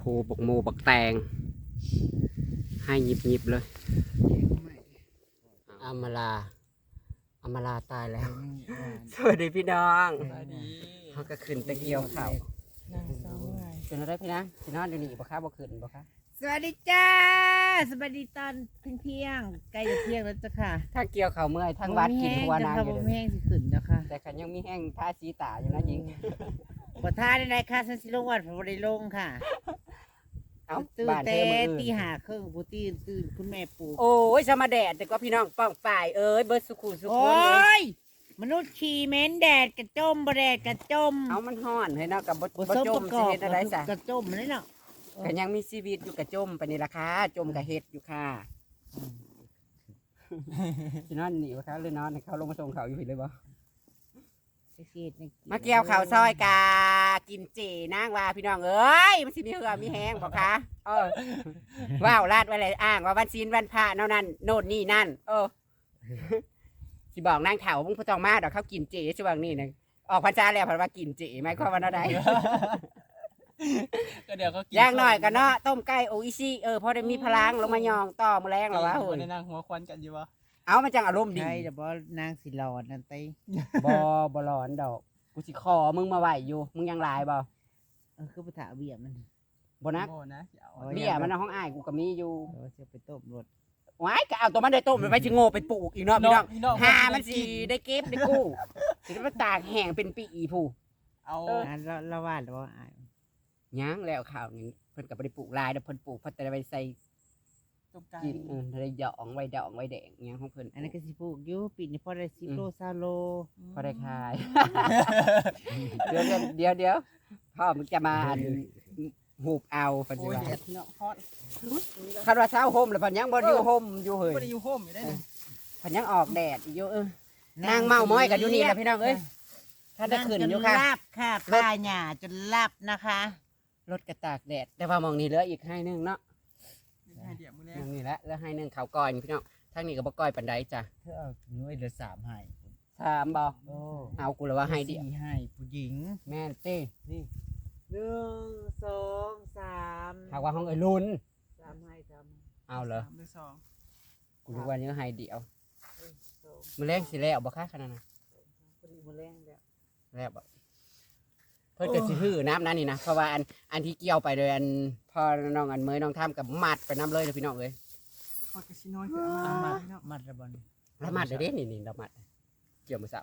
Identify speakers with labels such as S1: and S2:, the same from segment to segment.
S1: บกโมบักแตงให้หยิบเลยอามาลาตายแล้วสวัสดีพี่น้องเขาก็ขึ้นตะเกียวเข่าเป็นอะไรพี่นะพี่น้องเดี๋ยวนี้บ่ค้าบ่ขึ้นบ่ค้า
S2: สวัสดีจ้าสวัสดีตอนเที่ยงใกล้จะเที่ยงแล้วจ้ะค่ะ
S1: ถ้าเกี่ยวเข่าเมื่อยทั้งวัดกินหัวนางอยู่เลย
S2: แห้งสิขึ้นจ้ะค่ะ
S1: แต่ขันยังมีแห้งท่าสีตาอยู่นะยิง
S2: บ่ท่าได้ไหนค่ะฉันสิลงวัดบ่ได้ลงค่ะ
S1: เอา
S2: ตื่นแต่ตีห้าครึ่งผู้ตื่นคุณแม่ปลูก
S1: โอ้ยสมาแดดแต่ก็พี่น้องป้องฝ่ายเอ้ยเบิร์ดสุขุสุข
S2: โอ้ยมนุษย์ขี่เม้นแดดกระจมบ่แดดกระจม
S1: เอามันห่อนให้เนาะกับบ่จมสิ
S2: สิ
S1: เฮ็ดอะไรซะ
S2: กระจมเลยเนาะ
S1: ก็ยังมีชีวิตอยู่กับจมไปนี่ล่ะค่ะจมกับเฮ็ดอยู่ค่ะพี่น้องหนีบ่คะเลยนอนให้เขาลงมาส่งเขาอยู่ผิดเลยบ่มาเกี่ยวข้าวซอยกากินเจนางว่าพี่น้องเอ้ยมันสิมีเหือมีแห้งบ่คะว้าวลาดไว้เลยอ้างว่าวันศีลวันพระเนานั่นโน่นนี่นั่นสิบอกนางเฒ่ามึงบ่ต้องมาดอกเขากินเจช่วงนี้นะออกพรรษาแล้วเพิ่นว่ากินเจหมายความว่าเนาะใด
S3: ก็เดี๋ยวก็
S1: ย่างหน่อยกันเนาะต้มไก่โออิชิพอได้มีพลังลงมายองต่อมื้อแรงหรอวะโหย
S3: ในนางหัวควันกันอยู่วะ
S1: เอามันจังอารมณ์ดี
S2: ใช่แต่บ่นางสิหลอดนั่นไต
S1: บ่ร้อนดอกกูสิขอมึงมาไหวอยู่มึงยังหลายบ่
S2: คือบ่ถาเบี้ยมัน
S1: บ่นักเบี้ยมันในห้องอ้ายกูก็มีอยู่
S2: จะไปต้มรถ
S1: ว้ายก็เอาตัวมันได้ต้มไปสิโง่ไปปลูกอีกเนาะพี่น้องหามันสิได้เก็บได้กู้สิได้มาตากแห้งเป็นปีอีผู้
S3: เอา
S2: ละวาดแล้วอ้าย
S1: ยังแล้วข้าวนี่เพิ่นก็บ่ได้ปลูกหลายเด้อเพิ่นปลูกเพิ่นแต่ได้ไปใส่
S3: ต้มไก่
S1: กินได้ดองไว้แดงอิหยังของเพิ่น
S2: อันนั้นก็สิปลูกอยู่ปีนี้พอได้10โล20โล
S1: พอได้ขายเดี๋ยวพ่อมึงจะมาหูบเอาเพิ่นสิว่าคันว่าเช้าห่มแล้วเพิ่นยังบ่อยู่ห่มอยู่เฮ้ย
S3: บ่ได้อยู่โฮมอยู่ได้นี่
S1: เพิ่นยังออกแดดอยู่นางเมาม้อยกันอยู่นี่แหละพี่น้องเอ้ยถ้าได้ขึ้นอยู่ค่ะ
S2: ลาบค่ะป้าหญ้าจนลาบนะคะ
S1: รถกระตากแดดแต่ว่ามองนี่เหลืออีกให้นึงเนาะ
S3: ให้เดี๋ยวมื้อแรก
S1: นี่แหละแล้วให้นึงข้าวก้อยพี่น้องทางนี้ก็บ่ก้อยปานใดจ้ะ
S2: เธอเอาหน่วยละ3ให้
S1: 3บ่เอากูละว่าให้เดียว
S2: 4ให้ผู้หญิง
S1: แม่นติ
S2: นี่1 2 3
S1: หากว่าห้องเอ้ยลุ้น
S2: 3ให้3
S1: เอาเหรอ
S3: 3หรือ2
S1: กูรู้ว่านี้ให้เดียวมื้อแรงสิแล้วบ่คะขนาดนั้น
S2: พอดีมื้อแรง
S1: แล้วบ่เพิ่นก็สิฮื้อน้ำนั้นนี่นะเพราะว่าอันที่เกี่ยวไปโดยอันพอน้องอันเมยน้องทำกับมัดไปน้ำเลยเด้อพี่น้องเอ้ย
S3: ขอดกระชิน้อยคือเอา
S2: มัดระบอน
S1: แล้วมัดเด้นี่ดอกมัดเกี่ยวมื้อเช้า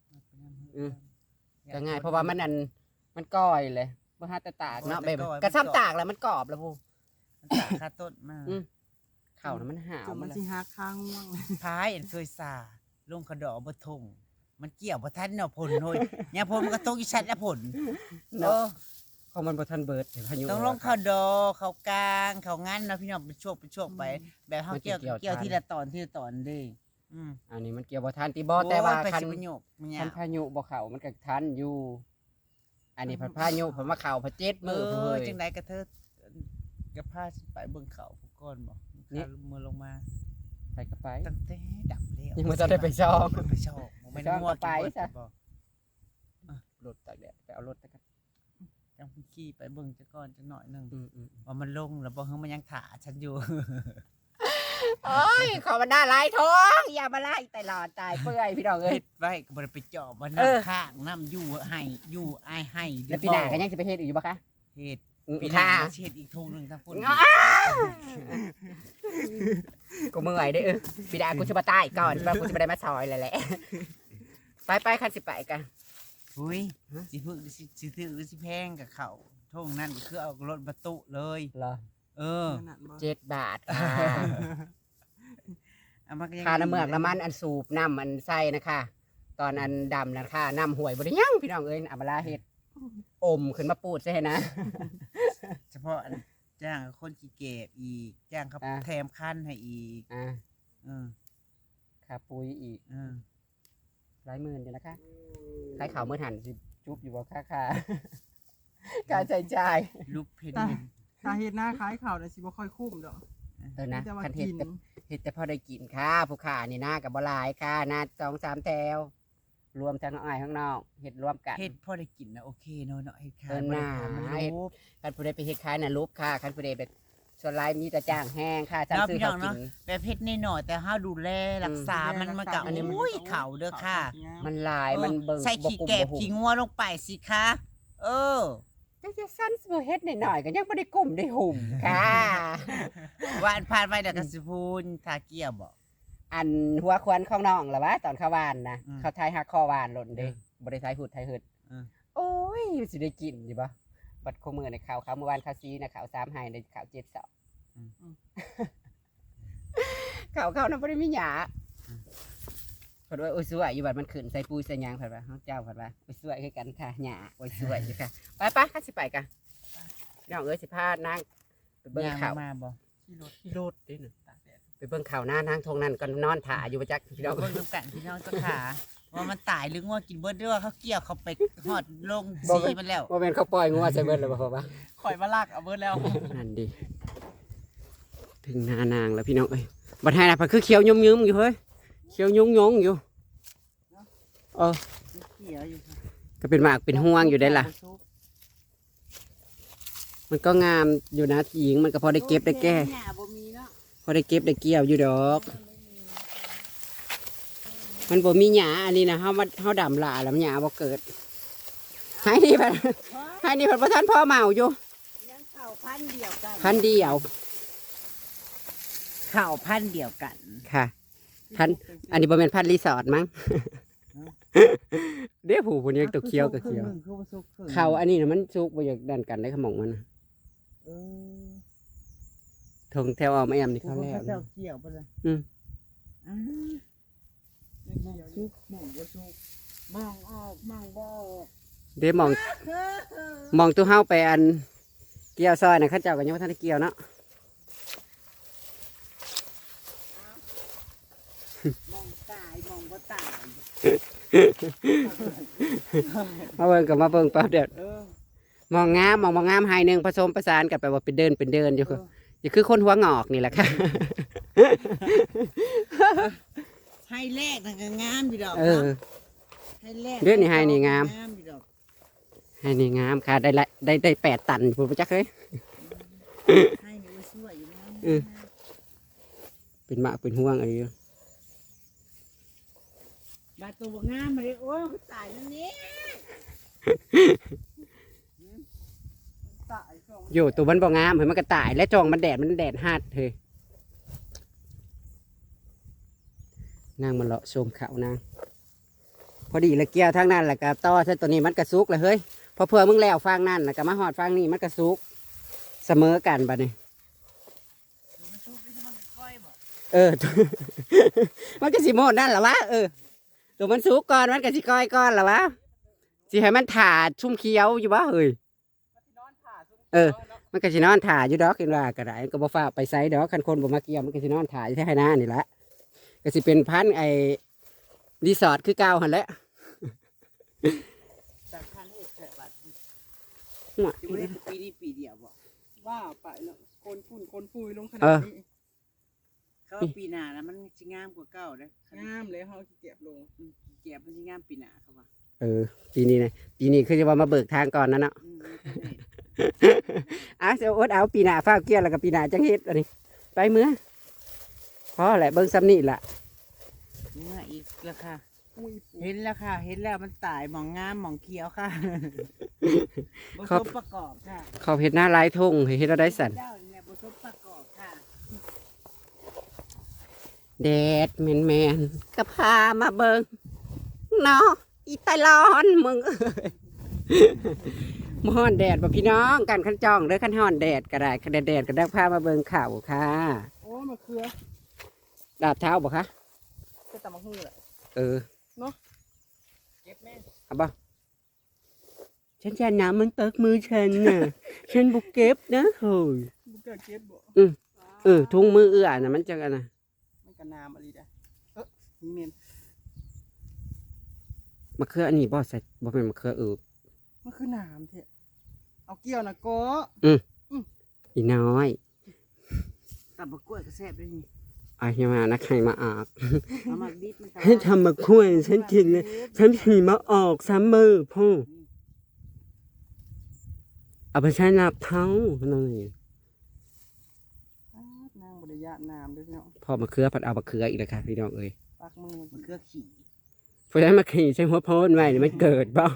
S1: ก็ง่ายเพราะว่ามันก้อยเลยบ่ฮาแต่ตากเนาะแบบกระซ้ำตากแล้วมันกรอบแล้วพู
S2: มันตากคาต้นมา
S1: ข้าวน่ะมันหาว
S3: มันสิหักข้างง่วง
S2: พายเคยสาลงกระดอกบ่ทงมันเกี่ยวบ่ทันเนาะผลโหยยามผมก็ตกอีชัดแล้วผล
S1: เนาะของมันบ่ทันเบิดพายุ
S2: ต้องลงเข้าดอเข้ากลางเข้างั้นเนาะพี่น้องเป็นช่วงไปแบบเฮาเกี่ยวทีละตอนเด้
S1: อันนี้มันเกี่ยวบ่ทันติบ่แต่ว่าคันพายุบ่เข้ามันก็ทันอยู่อันนี้พายุผมมาเข้าพะ7มื้อเฮ้ย
S2: จังได๋ก็เธอก็พาไปเบิ่งเขาผู้ก่อนบ่นี่มือลงมา
S1: ไปก็ไป
S2: ตั้งแต่ดับแล้ว
S1: ยังบ่ทันได้ไปซ่อม
S2: ไม่ได้งัวไปซะ
S1: รถตากแดดไปเอารถตะกัน
S2: จังขี่ไปเบิ่งจักก่อนจักหน่อยนึงว่ามันลงแล้วบ่เฮามันยังถ่าฉันอยู่
S1: โอ้ยขอมันน่าลายท้องอย่ามาไล่ตลอดตายเปื่อยพี่น้องเอ้ย
S2: ไว้ก็บ่ได้ไปเจาะบ่น้ำข้างน้ำอยู่ให้อยู่อ้ายให้
S1: แล้วปีหน้าก็ยังสิไปเฮ็ดอีกอยู่บ่คะ
S2: เฮ็ด
S1: ปีหน้า
S2: เฮ็ดอีกทุ่งนึงทั้งพุ่น
S1: กูเมื่อยเด้อปีหน้ากูสิมาตายก่อนเพราะกูสิบ่ได้มาซอยแหละไปคันสิไปกัน
S2: อุ้ยสิพึ่งสิถือสิแพงกับเขาทุ่งนั้นก็คือเอารถบรรทุกเลย
S1: เหรอ7 บาทค่ะค่าน้ำเมือกน้ำมันอันสูบน้ำมันใส่นะคะตอนอันดำนะคะน้ำห่วยบ่ได้ยังพี่น้องเอ้ยอับลาเฮ็ดอมขึ้นมาปูดใช่นะ
S2: เฉพาะจ้างคนขี้เก็บอีกจ้างเขาแถมคันให้อีก
S1: ค่าปุ๋ยอีกหลายหมื่นอยู่นะคะขายข่าวเมื่อหันสิจุ๊บอยู่บ่ค่าการใช้จ่าย
S2: ลูกเพน
S3: สาเหตุหน้าขายข่าวน่ะสิบ่ค่อยคุ้มดอก
S1: นะคันเฮ็ดแต่พอได้กินค่ะผู้ค้านี่หน้าก็บ่หลายค่ะหน้า2-3แถวรวมทั้งอ้ายข้างนอกเฮ็ดรวมกัน
S2: เฮ็ดพอได้กินนะโอเคเนาะเฮ็ดขาย
S1: เออ
S2: บ่ได้
S1: น่า
S2: ขายมัน
S1: เฮ็ด
S2: รูป
S1: คันผู้ใดไปเฮ็ดขายน่ะรูปค่าคันผู้ใดแบบส่วนหลายมีแต่จ้างแห้งค่าจ้าง
S2: เนาะ
S1: ซื้อ
S2: พี่น้
S1: เขา
S2: อง
S1: กิ
S2: เนาะ
S1: น
S2: แบบเฮ็ดน้อยๆแต่เฮาดูแลรักษามันก็
S1: อันนี้มัน
S2: อุ้ยเข่าเด้อค่ะ
S1: มันหลายมันเบิ่ง
S2: ใส่
S1: บ่
S2: ขี้
S1: กุม
S2: แกบ
S1: บ่หุ
S2: ขี้
S1: ม
S2: งัวลงไปสิคะเออ
S1: จังจะสั้นสิเฮ็ดหน่อยๆก็ยังบ่ได้กุมได้หุ่มค่ะ
S2: วานผ่านไปเดี๋ยวก็สิพูนทาเกียวบ่
S1: อันหัวควันของน้องล่ะวะตอนเข้าวานนะ
S2: อืม
S1: เขาทายหักคอวานหล่นเด้บ่ได้ทายหุดทายหึด
S2: อืม
S1: โอ้ยสิได้กินอยู่บ่บัดคงมื้อในข่าวเมื่อวานข่าวซีนะข่าว3ให้ในข่าว7เสาร์ข่าวน่ะบ่ได้มีหยาเพิ่นว่าโอ้ยสวยอยู่บัดมันขึ้นใส่ปุ๋ยใส่หยางเพิ่นว่าเฮาเจ้าเพิ่นว่าโอ้ยสวยคือกันค่ะหยาโอ้ยสวยอยู่ค่ะไปๆข้าสิไปกะน้องเอ้ยสิพานางไปเบิ่ง
S2: ย่าง
S1: ข่าว
S2: มาบ่
S3: ขี่รถ
S1: รถเด้น่ะ
S3: ตากแดด
S1: ไปเบิ่งข่าวหน้านางทงนั่นก็นอนถ่าอยู่ประจักพี่น้อง
S2: เบิ่งนำกันพี่น้องเจ้าขาว่ามันตายหรืองัวกินเบิดหรือว่าเขาเกี่ยวเขาไปฮอดลงสีมันแล้ว
S1: ว่าเป็นเขาปล่อยงัวใส่เบิดแล้วบ่พอปะ
S3: ข่อยมาลากเอาเบิดแล้ว
S1: นั่นดิถึงหน้านางแล้วพี่น้องเอ้ยบัดให้น่ะเพิ่นคือเขียวยุ่มๆอยู่เฮ้ยเขียวยุ่งๆอยู่เออ
S2: เกี่ยวอยู่ค่ะ
S1: ก็เป็นหมากเป็นห่วงอยู่ได้ล่ะ มันก็งามอยู่นะที่หญิงมันก็พอได้เก็บได้แก้
S2: หญ้าบ่มีเนาะ
S1: พอได้เก็บได้เกี่ยวอยู่ดอก มันบ่มีหญ้าอันนี้นะเฮาดำหลาแล้วหญ้าบ่เกิดให้นี่เพิ่นให้นี่เพิ่นบ่ทันพ่อเมาอยู่
S2: ยังเข้าพันธุ์เดียวกัน
S1: พันเดียว
S2: เข้าพันธุ์เดียวกัน
S1: ค่ะ พันอันนี้บ่แม่นพันรีสอร์ทมั้ง เด้ผู้ผู้นี้ตัวเขียวก็เขียว
S2: คือบ่สุกครึ่ง
S1: เขาอันนี้นะมันสุกบ่อยากดันกันได้ขมองมันน่ะ
S2: เออ
S1: ทงแถวอ้อมแอมนี่เขาแล้ว
S2: เจ้าเกี่ยวไปเลย
S1: อืม
S2: อ่ามองสุกมองบ่สุกมองออกมองบ่ออก
S1: เด้มองตัวเฮาไปอันเกี่ยวซอยน่ะเขาเจ้าก็ยังบ่ทันได้เกี่ยวเนาะ
S2: มองตายมองบ่ตาย
S1: มาเบิ่งก็มาเบิ่งแป๊บเดียว
S2: เออ
S1: มองงามมองบ่งามให้หนึงผสมประสานกันไปว่าเป็นเดินอยู่คืออย่าคือคนหัวงอกนี่แหละค่ะ
S2: ให้แรกนั่นก็งามอยู่ดอก
S1: เออ
S2: ให้แรก
S1: เดี๋ยวนี้ให้นี่งาม
S2: อยู่ดอก
S1: ให้นี่งามค่ะได้ละได้8 ตันพุ่นบ่จักเอ้ย
S2: ให้นี่มันสวยอยู่นะ
S1: เออ เป็นหมากเป็นห่วงอะไรอยู่
S2: บาดตัวบ่งามมาเลยโอ้ยมันตายแล้วนี่
S3: ตายช่วง
S1: อยู่ตัวมันบ่งามเห็นมันก็ตายและจองมันแดดฮาดเฮ้ยนางมันเลาะชมเขานางพอดีละเกี่ยวทางนั้นแหละกับต่อซะตัวนี้มันกระซุกเลยเฮ้ยพอเพื่อมึงแล้วฟังนั่นแล้วก็มาหอดฟังนี่มันกระซุกเสมอกันบัดนี้
S2: มันชุบได้มันก้อยบ่
S1: เออ มันก็สิโมดนั่นแหละวะเออตัวมันซุกก่อนมันก็สิก้อยก่อนแหละวะสิให้มันถ่าชุ่มเคี้ยวอยู่วะเฮ้ย
S3: นอนผ่าซุ่ม
S1: เออ มันก็สินอนถ่าอยู่ดอกกินว่าก็ได้ก็บ่ฟ้าไปไสดอกคันคนบ่มาเกี่ยวมันก็สินอนถ่าอยู่แท้หน้านี่ละก็สิเป็นพันธุ์ไอ้รีสอร์ทคือเก่าหั่นแหละ
S2: จากพันเอ็ดแสนบาท
S1: หัว
S2: จะไม่ได้ปีนี้ปีเดียวบ่
S3: ว่าไปเนาะคนฝุ่นคนปุยลงขนาดนี้
S2: เขาว่าปีหน้าแล้วมันสิงามกว่าเก่าเด้อง
S3: ามเลยเฮาขี้เกียจลง
S2: เก็บมันสิงามปีหน้าเขาว่า
S1: เออปีนี้นะปีนี้คือจะว่ามาเบิกทางก่อนนะเนาะ เอาเสียอดเอาปีหน้าฟ้าวเกี่ยวแล้วก็ปีหน้าจังเฮ็ดอันนี้ไปเมื่อพอแหละเบิ่งซ้ำนี่ล่ะ
S2: เมื่ออีกแล้วค่ะ
S3: อุ้ยปู
S2: เห็นแล้วค่ะ เห็นแล้วมันตายหมองงามหมองเขียวค่ะบุสมประกอบค่ะ
S1: เขาเฮ็ดหน้าลายทงเฮ็ดเอาได้สั่น
S2: เจ้าเนี่ยบุสมประกอบค่ะ
S1: แดดแมนๆก็พามาเบิ่งเนาะอีตาลอนมึงเอ้ยมาฮ้อนแดดบ่พี่น้องกันคันจ้องเด้อคันฮ้อนแดดก็ได้คันแดดก็ได้พามาเบิ่งข่าวค่ะ
S3: โอ้มะเขือ
S1: ดาบเท้าบ่คะ
S3: ก็ตำมะฮือแหละ
S1: เออ
S3: เก็บแม่
S1: เอาบ่ฉันจะน้ำมันเปิกมือฉันน่ะ ฉันบุกเก็บนะเฮ้ย
S3: บุกเกิดเก็บบ่
S1: ทุ่งมือเอื้อน่ะมันจังอันน่ะ
S3: มันก็น้ำอะไรได้นี่เมน
S1: มะเขืออันนี้บ่ใส่บ่เป็นมะเขือเออ
S3: มันคือน้ำเถอะเอาเกี่ยวนะโก็
S1: อีน้อย
S2: ตับบักกล้วยก็แซ่บด้วยนี่
S1: อาอย่ามานะใครมาออก
S3: เอามาดิบมัน
S1: ให้ทำมาคุยฉันกินเลยฉันขี่มาออกซ้ำมือพ่อเอาไปใช้นับเท้าหน่อย
S3: นางบริยะน้ำด้วยเนาะ
S1: พ่อมาเคือผัดเอามาเคืออีกแล้วค่ะพี่น้องเอ้ย
S3: ปักมือ
S2: มันคือขี่
S1: เพราะฉะนั้นมาขี่ใช้หัวโพนไว้นี่มันเกิดเปล่า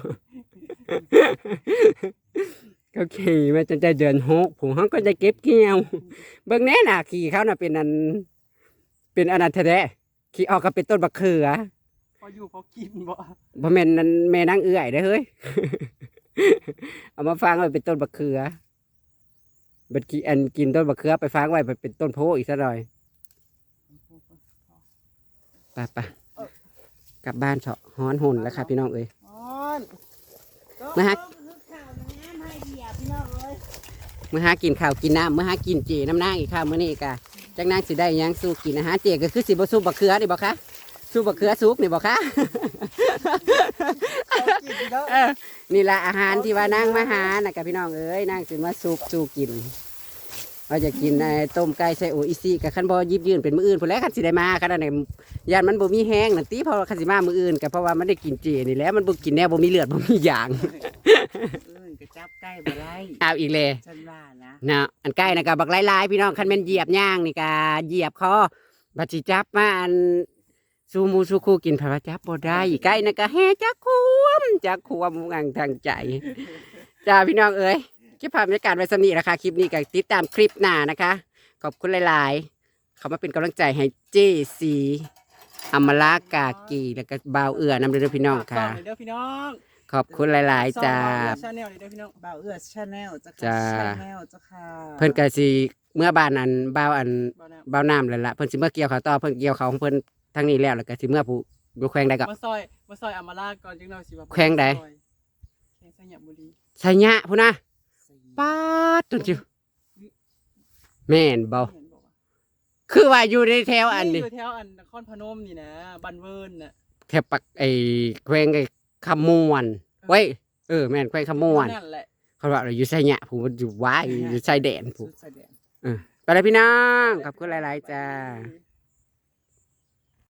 S1: ก็ขี่มาจนใจเดือน6ผมเขาก็จะเก็บเกี่ยวเบิ่งแน่น่ะขี่เขาน่ะเป็นอันแท้ๆขี่ออกก็เป็นต้นบักเขือ
S3: พออยู่พอกินบ่
S1: บ่แม่นนั่นแม่นางเอื้อยเด้อเฮ้ย เอามาฟังไว้เป็นต้นบักเขือบัดกินต้นบักเขือไปฟังไว้เป็นต้นโพอีกซะหน่อยไปกลับบ้านเถาะฮ้อนหุ่นแล้วค่ะพี่น้องเอ้ย
S3: อ้อน
S1: เมื่อหากินข้าวกินน้ำเมื่อหากินเจน้ำนางอีกข้าวมื้อนี้กะจังนางสิได้หยังสู้กินอาหารเจก็คือสิบ่สู้บักเขือนี่บ่คะสู้บักเขือสุกนี่บ่คะ นี่ละอาหารที่ว่านางมาหาน่ะกับพี่น้องเอ้ยนางสิมาสู้กินเราจะกินต้มไก่ใส่โออิซิกับขันบอยิบยืนเป็นมื้ออื่นพอแล้วขันสิได้มาขนาดไหนยานมันบ่มีแห้งนั่นติเพราะขันสิมามื้ออื่นก็เพราะว่ามันได้กินเจนี่แหละมันบ่กินแน่บ่มีเลือดบ่มีหยาง
S2: กระจับใกล้บ่ได้
S1: เอาอีกเลย
S2: ฉันว่านะ
S1: นะอันใกล้นะกับบักหลายๆพี่น้องคันแม่นเหยียบย่างนี่กะเหยียบคอบัดสิจับมาอันสูหมูสูคูกินพระจับบ่ได้ใกล้นะกะแฮ่จักควมงังทางใจจ้าพี่น้องเอ้ยคลิปภาพบรรยากาศไว้สำนี้นะคะคลิปนี้ก็ติดตามคลิปหน้านะคะขอบคุณหลายๆเขามาเป็นกำลังใจให้เจซีอมรากากีแล้วก็บ่าวเอื้อนำเด้อพี่น้องค่ะ
S3: เด้อพี่น้อง
S1: ขอบคุณหลายๆจ้า
S3: ชาแนลเด้อพี่น้อง
S2: บ่าวเอื้อชาแนลเจ้า
S1: จ้า
S2: ค่ะชาแนลเจ้าค่ะ
S1: เพิ่นก็สิเมื่อบ้านอันบ่าวอัน
S3: บ่น้
S1: บ่าวน้ำแล้วล่ะเพิ่นสิเมื่อเกี่ยวเขาวต่อเพิ่นเกี่ยวเขาวของเพิ่นทางนี้แล้วก็สิเมื่อผู้อยู่แขวงใดก็
S3: มาซอยอำมาลาก่อนจังหน่อยสิว่า
S1: แขวงใด
S3: แขวงสยามบุรี
S1: ชัยยะพุ่นนะป๊าดตุนจิวแม่นบ่
S3: เห็นบอกว่า
S1: คือว่าอยู่ในแถวอันนี้
S3: อยู่แถวอันนครพนมนี่นะบันเวิร์นน่ะ
S1: แถวปักไอ้แขวงไอ้คำมวนเว้ยแม่นแขวงคำมวน
S3: นั่นแหละ
S1: เขาว่าอยู่ชัยยะผู้มันอยู่ว้ายอยู่ชายแดนผู้
S2: สุดแสดง
S1: ไปเลยพี่น้องขอบคุณหลายๆจ้า
S3: อืม